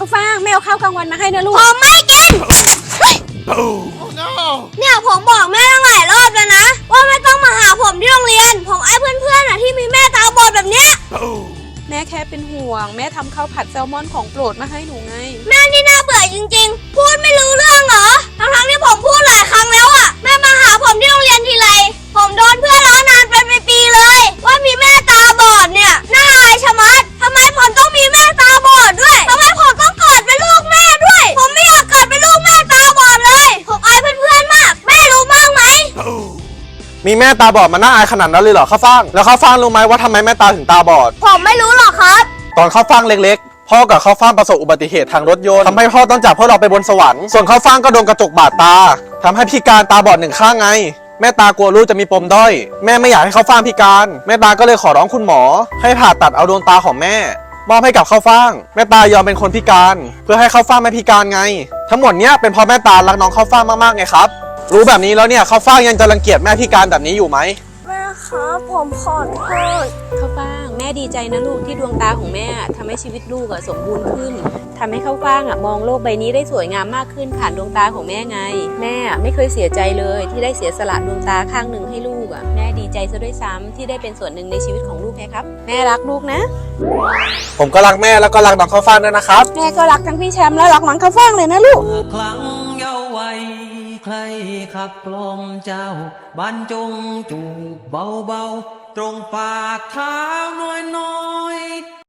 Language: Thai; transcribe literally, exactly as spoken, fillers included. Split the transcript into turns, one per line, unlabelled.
าวฟ่างแม่เอาข้าวกลางวันมาให้นะลูก
ผมไม่กินเนี่ยผมบอกแม่ตั้งหลายรอบแล้วนะว่าไม่ต้องมาหาผมที่โรงเรียนผมไอ้เพื่อนๆอ่ะที่มีแม่ตาบอดแบบเนี้ย
แม่แค่เป็นห่วงแม่ทำข้าวผัดแซลมอนของโปรดมาให้หนูไง
แม่นี่น่าเบื่อจริงๆพูดไม่รู้เรื่องเหรอทั้งๆที่ผมพูดหลายครั้งแล้วอ่ะแม่มาหาผมที่โรงเรียนทีไรผมโดนเพื่อนล้อนานเป็นปีๆเลยว่ามีแม่ตาบอดเนี่ยน่าอายชะมัดทำไมผมต้องมีแม่ตาบอดด้วยทำไมผมต้องเกิดเป็นลูกแม่ด้วยผมไม่อยากเกิดเป็นลูกแม่ตาบอดเลยผมอายเพื่อนๆมากแม่รู้บ้างไหม
มีแม่ตาบอดมันน่าอายขนาดนั้นเลยเหรอข้าวฟ่างแล้วข้าวฟ่างรู้ไหมว่าทำไมแม่ตาถึงตาบอด
ผมไม่รู้หรอกครับ
ตอนข้าวฟ่างเล็กๆพ่อกับข้าวฟ่างประสบอุบัติเหตุทางรถยนต์ทำให้พ่อต้องจากพวกเราไปบนสวรรค์ส่วนข้าวฟ่างก็โดนกระจกบาดตาทำให้พิการตาบอดหนึ่งข้างไงแม่ตากลัวลูกจะมีปมด้อยแม่ไม่อยากให้ข้าวฟ่างพิการแม่ตาก็เลยขอร้องคุณหมอให้ผ่าตัดเอาดวงตาของแม่มอบให้กับข้าวฟ่างแม่ตายอมเป็นคนพิการเพื่อให้ข้าวฟ่างไม่พิการไงทั้งหมดเนี้ยเป็นเพราะแม่ตารักน้องข้าวฟ่างมากๆไงครับรู้แบบนี้แล้วเนี่ยข้าวฟ่างยังจะรังเกียจแม่พิการแบบนี้อยู่ไหม
แม่ครับผมขอโทษ
ข้าวฟ่างแม่ดีใจนะลูกที่ดวงตาของแม่ทำให้ชีวิตลูกอะสมบูรณ์ขึ้นทำให้ข้าวฟ่างอะมองโลกใบนี้ได้สวยงามมากขึ้นผ่านดวงตาของแม่ไงแม่ไม่เคยเสียใจเลยที่ได้เสียสละดวงตาข้างหนึ่งให้ลูกอะแม่ดีใจซะด้วยซ้ำที่ได้เป็นส่วนหนึ่งในชีวิตของลูกแค่ครับแม่รักลูกนะ
ผมก็รักแม่แล้วก็รักน้องข้าวฟ่างด้วยนะครับ
แม่ก็รักทั้งพี่แชมป์และรักน้องข้าวฟ่างเลยนะลูก
ครั้งเยาว์วัยใครขับกล่อมเจ้าบรรจงจูบเบาๆตรงปากเท้าน้อยๆ